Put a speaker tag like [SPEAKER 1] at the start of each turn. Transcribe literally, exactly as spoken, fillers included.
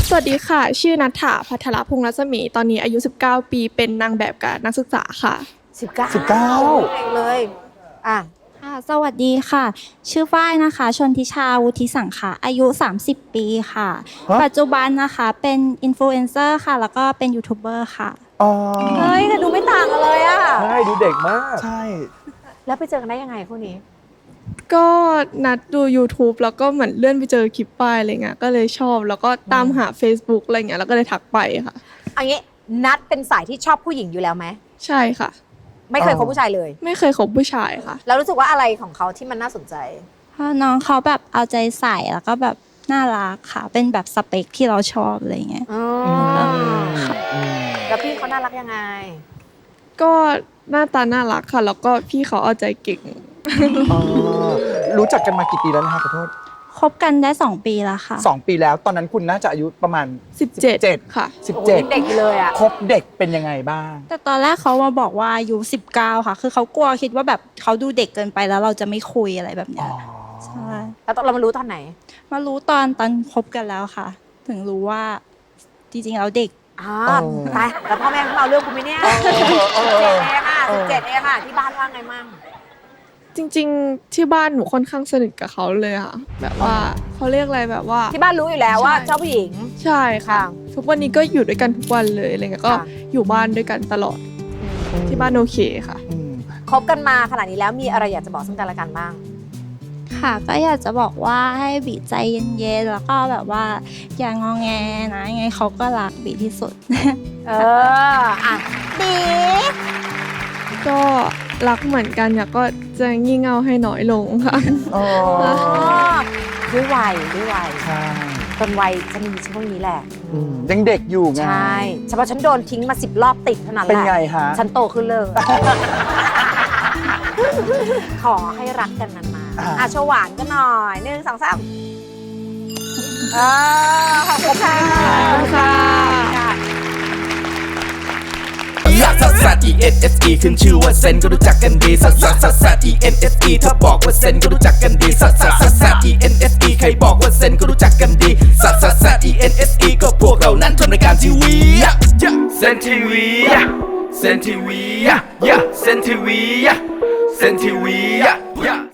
[SPEAKER 1] สวัสดีค่ะชื่อณัฐฐา ภัทรพงษ์รัศมีตอนนี้อายุสิบเก้าปีเป็นนางแบบกับนักศึกษาค่ะ
[SPEAKER 2] สิบเก้า
[SPEAKER 3] สิบเก้า
[SPEAKER 2] เลยอ่ะ
[SPEAKER 4] ค่ะสวัสดีค่ะชื่อฝ้ายนะคะชนทิชาวุฒิสังขะอายุสามสิบปีค่ะปัจจุบันนะคะเป็นอินฟลูเอนเซอร์ค่ะแล้วก็เป็นยูทูบเบอร์ค่ะ
[SPEAKER 3] อ๋อ
[SPEAKER 2] เฮ้ยแต่ดูไม่ต่างกันเลยอ่ะ
[SPEAKER 5] ใช่ดูเด็กมาก
[SPEAKER 3] ใช่
[SPEAKER 2] แล้วไปเจอกันได้ยังไงคู่นี้
[SPEAKER 1] ก็นัดดู YouTube แล้วก็เหมือนเลื่อนไปเจอคลิปป้ายอะไรเงี้ยก็เลยชอบแล้วก็ตามหา Facebook อะไรเงี้ยแล้วก็เลยทักไปค่ะ
[SPEAKER 2] อันนี้นัดเป็นสายที่ชอบผู้หญิงอยู่แล้วไหม
[SPEAKER 1] ใช่ค่ะ
[SPEAKER 2] ไม่เคยคบผู้ชายเลย
[SPEAKER 1] ไม่เคยคบผู้ชายค่ะ
[SPEAKER 2] แล้วรู้สึกว่าอะไรของเขาที่มันน่าสนใจ
[SPEAKER 4] เพราะน้องเขาแบบเอาใจใส่แล้วก็แบบน่ารักค่ะเป็นแบบสเปคที่เราชอบอะไรเงี้ย
[SPEAKER 2] แล้วพี่เขาน่ารักยังไง
[SPEAKER 1] ก็หน้าตาน่ารักค่ะแล้วก็พี่เขาเอาใจเก่ง
[SPEAKER 3] รู้จักกันมากี่ปีแล้วนะคะขอโทษ
[SPEAKER 4] คบกันได้สองปีแล้วค่ะ
[SPEAKER 3] สองปีแล้วตอนนั้นคุณน่าจะอายุประมาณ
[SPEAKER 1] สิบเจ็ดค่ะ
[SPEAKER 3] สิบเจ็ด
[SPEAKER 2] เด็กเลยอ่ะ
[SPEAKER 3] คบเด็กเป็นยังไงบ้าง
[SPEAKER 4] แต่ตอนแรกเขามาบอกว่าอายุสิบเก้าค่ะคือเขากลัวคิดว่าแบบเขาดูเด็กเกินไปแล้วเราจะไม่คุยอะไรแบบเนี้ยใช่
[SPEAKER 2] แล้วเรามารู้ตอนไหน
[SPEAKER 4] มารู้ตอนตอนคบกันแล้วค่ะ ถึงรู้ว่าจริงๆแล้วเด็ก
[SPEAKER 2] อ่าตายแล้วพ่อแม่เขาเอาเรื่องกูไหมเนี่ยสิบเจ็ดเองอ่ะสิบเจ็ดเองอ่ะที่บ้านว่าไงมั่ง
[SPEAKER 1] จริงๆที่บ้านหนูค่อนข้างสนิทกับเขาเลยค่ะแบบว่าเขาเรียกอะไรแบบว่า
[SPEAKER 2] ที่บ้านรู้อยู่แล้วว่าเจ้าผู้หญิง
[SPEAKER 1] ใช่ค่ะทุกวันนี้ก็อยู่ด้วยกันทุกวันเลยอะไรเงี้ยก็อยู่บ้านด้วยกันตลอดที่บ้านโอเคค่ะ
[SPEAKER 2] คบกันมาขนาดนี้แล้วมีอะไรอยากจะบอกซึ่งกันและกันบ้าง
[SPEAKER 4] ค่ะก็อยากจะบอกว่าให้บีใจเย็นๆแล้วก็แบบว่าอย่างงอแงนะยังไงเขาก็รักบีที่สุด
[SPEAKER 2] เอออ่ะบี
[SPEAKER 1] ก็รักเหมือนกันอยากก็จะงี่เง่าให้น้อยลงค่ะ
[SPEAKER 3] อ๋อ
[SPEAKER 2] ด้วยวัยด้วยวัย
[SPEAKER 3] ใช่
[SPEAKER 2] ตอนวัยจะมีช่วงนี้แหละ
[SPEAKER 3] ยังเด็กอยู่ไง
[SPEAKER 2] ใช่เฉพาะฉันโดนทิ้งมาสิบรอบติดเท่านั้นแหละ
[SPEAKER 3] เป็นไงฮะ
[SPEAKER 2] ฉันโตขึ้นเลยขอให้รักกันนานๆอ่ะโชว์หวานกันหน่อยหนึ่งสองสามเออขอบคุณค่ะขอบคุณค่ะ
[SPEAKER 6] ลักซัสซัส E N S E ขึ้นชื่อว่าเซนก็รู้จักกันดีซัสซัสซัสซัส E N S E ถ้าบอกว่าเซนก็รู้จักกันดีซัสซัสซัสซัส E N S E ใครบอกว่าเซนก็รู้จักกันดีซัสซัสซัส E N S E ก็พวกเรานั้นทำรายการทีวีเซนทีวีเซนทีวีเซนทีวีเซนทีวี